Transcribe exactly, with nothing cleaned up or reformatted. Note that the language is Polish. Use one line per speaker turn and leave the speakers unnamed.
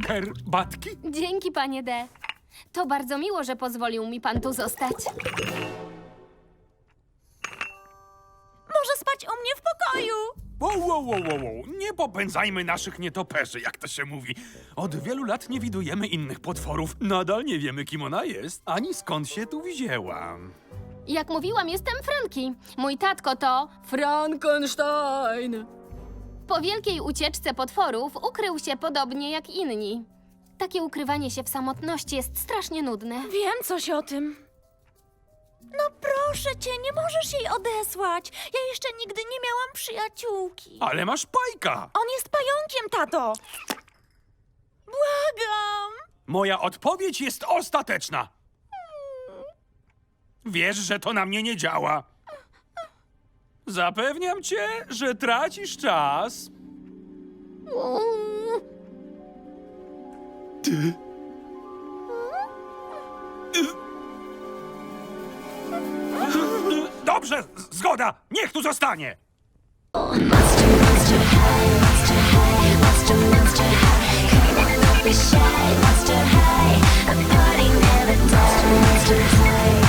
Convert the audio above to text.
herbatki?
Dzięki, panie D. To bardzo miło, że pozwolił mi pan tu zostać.
Może spać u mnie w pokoju.
Wow, wow, wow, wow, wow. Nie popędzajmy naszych nietoperzy, jak to się mówi. Od wielu lat nie widujemy innych potworów. Nadal nie wiemy, kim ona jest, ani skąd się tu wzięła.
Jak mówiłam, jestem Franki. Mój tatko to Frankenstein. Po wielkiej ucieczce potworów ukrył się podobnie jak inni. Takie ukrywanie się w samotności jest strasznie nudne.
Wiem coś o tym. No proszę cię, nie możesz jej odesłać. Ja jeszcze nigdy nie miałam przyjaciółki.
Ale masz Pajka!
On jest pająkiem, tato. Błagam.
Moja odpowiedź jest ostateczna. Wiesz, że to na mnie nie działa. Zapewniam cię, że tracisz czas. Ty. Dobrze, z- zgoda. Niech tu zostanie.
Monster, monster high, monster high, monster, monster high. Come on, don't be shy, monster high.